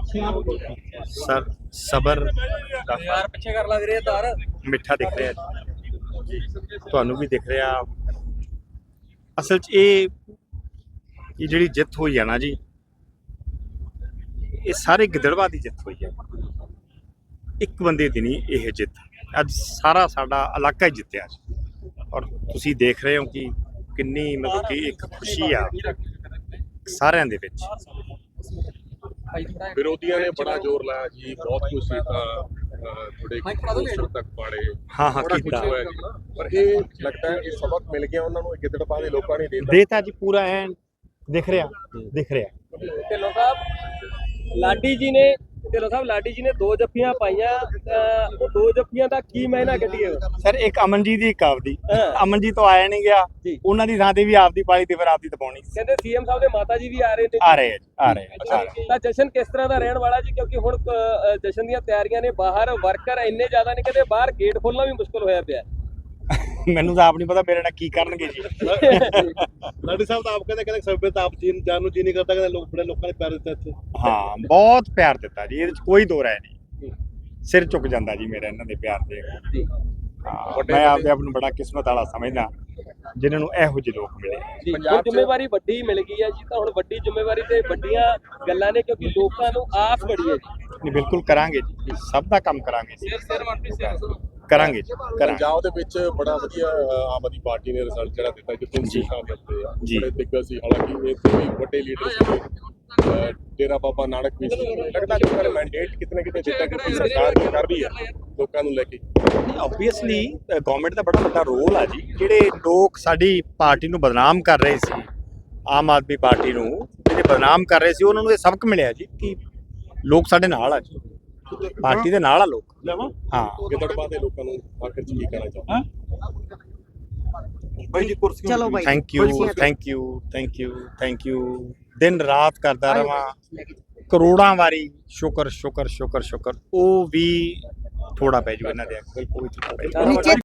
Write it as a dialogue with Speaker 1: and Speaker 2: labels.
Speaker 1: Sir ਸਬਰ
Speaker 2: ਯਾਰ ਪਿੱਛੇ ਕਰ ਲਾ ਵੀਰੇ ਤਾਰ
Speaker 1: ਮਿੱਠਾ ਦਿਖ ਰਿਹਾ ਜੀ, ਤੁਹਾਨੂੰ ਵੀ ਦਿਖ ਰਿਹਾ। ਅਸਲ 'ਚ ਇਹ ਜਿਹੜੀ ਜਿੱਤ ਹੋਈ ਹੈ ਨਾ ਜੀ, ਇਹ ਸਾਰੇ ਗਿੱਦੜਬਾਹ ਦੀ ਜਿੱਤ ਹੋਈ ਹੈ। ਇੱਕ ਬੰਦੇ ਦੀ ਨਹੀਂ ਇਹ ਜਿੱਤ, ਅੱਜ ਸਾਰਾ ਸਾਡਾ ਇਲਾਕਾ ਹੀ ਜਿੱਤਿਆ ਜੀ। ਔਰ ਤੁਸੀਂ ਦੇਖ ਰਹੇ ਹੋ ਕਿ ਕਿੰਨੀ ਮਤਲਬ ਕਿ ਇੱਕ ਖੁਸ਼ੀ ਆ ਸਾਰਿਆਂ ਦੇ ਵਿੱਚ।
Speaker 3: ਵਿਰੋਧੀਆਂ ਨੇ ਬੜਾ ਜ਼ੋਰ ਲਾਇਆ ਜੀ, ਬਹੁਤ ਕੁਝ ਕੀਤਾ, ਥੋੜੇ ਪੋਸਟਰ ਤੱਕ ਪਾੜੇ,
Speaker 1: ਹਾਂ
Speaker 3: ਬੜਾ ਕੁਝ
Speaker 1: ਕੀਤਾ
Speaker 3: ਹੋਇਆ ਜੀ। ਪਰ ਇਹ ਲੱਗਦਾ ਹੈ ਇਹ ਸਬਕ ਮਿਲ ਗਿਆ ਉਹਨਾਂ ਨੂੰ, ਗਿੱਦੜਬਾਹ ਦੇ ਲੋਕਾਂ ਨੇ
Speaker 1: ਦੇਤਾ ਜੀ, ਪੂਰਾ ਐਨ ਦਿਖ ਰਿਹਾ।
Speaker 2: ਢਿੱਲੋਂ ਸਾਹਿਬ ਲਾਡੀ ਜੀ ਨੇ ਦੋ ਜੱਫੀਆਂ ਪਾਈਆਂ, ਉਹ ਦੋ ਜੱਫੀਆਂ ਦਾ ਕੀ ਮਾਇਨਾ ਕੱਢੀਏ
Speaker 1: ਸਰ? ਇੱਕ ਅਮਨਜੀਤ ਦੀ, ਇੱਕ ਆਪਦੀ।
Speaker 2: ਹਾਂ।
Speaker 1: ਅਮਨਜੀਤ ਤੋਂ ਆਇਆ ਨਹੀਂ ਗਿਆ,
Speaker 2: ਜੀ।
Speaker 1: ਉਹਨਾਂ ਦੀ ਥਾਂ ਤੇ ਵੀ ਆਪਦੀ ਪਾਲੀ ਤੇ ਫਿਰ ਆਪਦੀ ਦਬਾਉਣੀ।
Speaker 2: ਕਹਿੰਦੇ ਸੀਐਮ ਸਾਹਿਬ ਦੇ ਮਾਤਾ ਜੀ ਵੀ ਆ ਰਹੇ ਨੇ।
Speaker 1: ਆ ਰਹੇ ਆ ਜੀ।
Speaker 2: ਤਾਂ ਜਸ਼ਨ ਕਿਸ ਤਰ੍ਹਾਂ ਦਾ ਰਹਿਣ ਵਾਲਾ ਜੀ? ਕਿਉਂਕਿ ਹੁਣ ਜਸ਼ਨ ਦੀਆਂ ਤਿਆਰੀਆਂ ਨੇ, ਬਾਹਰ ਵਰਕਰ ਇੰਨੇ ਜ਼ਿਆਦਾ ਨੇ, ਕਹਿੰਦੇ ਬਾਹਰ ਗੇਟ ਖੋਲਣਾ ਵੀ ਮੁਸ਼ਕਲ ਹੋਇਆ ਪਿਆ।
Speaker 1: ਮੈਨੂੰ ਤਾਂ ਆਪ ਨਹੀਂ ਪਤਾ ਮੇਰੇ ਨਾਲ ਕੀ ਕਰਨਗੇ ਜੀ।
Speaker 3: ਲਾਡੀ ਸਾਹਿਬ ਤਾਂ ਆਪ ਕਹਿੰਦੇ ਸਭੇ ਤਾਂ ਆਪ ਜਾਨ ਨੂੰ ਜੀ ਨਹੀਂ ਕਰਦਾ, ਕਹਿੰਦੇ ਲੋਕ ਬੜੇ ਲੋਕਾਂ ਨੇ ਪਿਆਰ ਦਿੱਤਾ ਇੱਥੇ।
Speaker 1: ਹਾਂ, ਬਹੁਤ ਪਿਆਰ ਦਿੱਤਾ ਜੀ, ਇਹਦੇ ਚ ਕੋਈ ਦੋ ਰਾਏ ਨਹੀਂ। ਸਿਰ ਝੁਕ ਜਾਂਦਾ ਜੀ ਮੇਰਾ ਇਹਨਾਂ ਦੇ ਪਿਆਰ ਦੇ। ਮੈਂ ਆਪਦੇ ਆਪ ਨੂੰ ਬੜਾ ਕਿਸਮਤ ਵਾਲਾ ਸਮਝਦਾ ਜਿਨ੍ਹਾਂ ਨੂੰ ਇਹੋ ਜਿਹੇ ਲੋਕ ਮਿਲੇ।
Speaker 2: ਹੁਣ ਜ਼ਿੰਮੇਵਾਰੀ ਵੱਡੀ ਮਿਲ ਗਈ ਹੈ ਜੀ, ਤਾਂ ਹੁਣ ਵੱਡੀ ਜ਼ਿੰਮੇਵਾਰੀ ਤੇ ਵੱਡੀਆਂ ਗੱਲਾਂ ਨੇ, ਕਿਉਂਕਿ ਲੋਕਾਂ ਨੂੰ ਆਸ ਬੜੀ ਹੈ ਜੀ।
Speaker 1: ਨਹੀਂ, ਬਿਲਕੁਲ ਕਰਾਂਗੇ ਜੀ, ਸਭ ਦਾ ਕੰਮ ਕਰਾਂਗੇ ਜੀ, ਕਰਾਂਗੇ ਜੀ, ਕਰਾਂਗੇ।
Speaker 3: ਪੰਜਾਬ ਦੇ ਵਿੱਚ ਬੜਾ ਵਧੀਆ ਆਮ ਆਦਮੀ ਪਾਰਟੀ ਨੇ ਰਿਜ਼ਲਟ ਜਿਹੜਾ ਦਿੱਤਾ, ਜਿੱਥੇ ਸੀਟਾਂ ਮਿਲਦੇ ਆ, ਬੜੇ ਦਿੱਗਜ ਸੀ। ਹਾਲਾਂਕਿ ਇੱਥੇ ਵੀ ਵੱਡੇ ਲੀਡਰ ਸੀ, ਡੇਰਾ ਬਾਬਾ ਨਾਨਕ ਵੀ ਸੀ। ਲੱਗਦਾ ਕਿ ਉਹਨਾਂ ਨੇ ਮੈਂਡੇਟ ਕਿਤੇ ਨਾ ਕਿਤੇ ਦਿੱਤਾ ਕਿ ਸਰਕਾਰ ਕੀ ਕਰ ਰਹੀ ਹੈ ਲੋਕਾਂ ਨੂੰ ਲੈ ਕੇ।
Speaker 1: ਆਬਵੀਅਸਲੀ ਗਵਰਨਮੈਂਟ ਦਾ ਬੜਾ ਵੱਡਾ ਰੋਲ ਆ ਜੀ। ਜਿਹੜੇ ਲੋਕ ਸਾਡੀ ਪਾਰਟੀ ਨੂੰ ਬਦਨਾਮ ਕਰ ਰਹੇ ਸੀ, ਆਮ ਆਦਮੀ ਪਾਰਟੀ ਨੂੰ ਜਿਹੜੇ ਬਦਨਾਮ ਕਰ ਰਹੇ ਸੀ, ਉਹਨਾਂ ਨੂੰ ਇਹ ਸਬਕ ਮਿਲਿਆ ਜੀ ਕਿ ਲੋਕ ਸਾਡੇ ਨਾਲ ਆ ਜੀ, ਪਾਰਟੀ ਦੇ ਨਾਲ ਆ ਲੋਕ। ਹਾਂ,
Speaker 3: ਗਿੱਦੜਬਾਹ ਦੇ ਲੋਕਾਂ ਨੂੰ ਆਖਿਰ ਚ ਕੀ ਕਹਿਣਾ ਚਾਹੁੰਦੇ?
Speaker 4: ਚਲੋ ਬਾਈ,
Speaker 1: ਥੈਂਕ ਯੂ। ਦਿਨ ਰਾਤ ਕਰਦਾ ਰਵਾਂ, ਕਰੋੜਾਂ ਵਾਰੀ ਸ਼ੁਕਰ। ਉਹ ਵੀ ਥੋੜਾ ਪੈ ਜੂ ਇਹਨਾਂ ਦੇ, ਕੋਈ ਥੋੜਾ ਪੈ ਜਾਊ।
Speaker 4: ਨੀਚੇ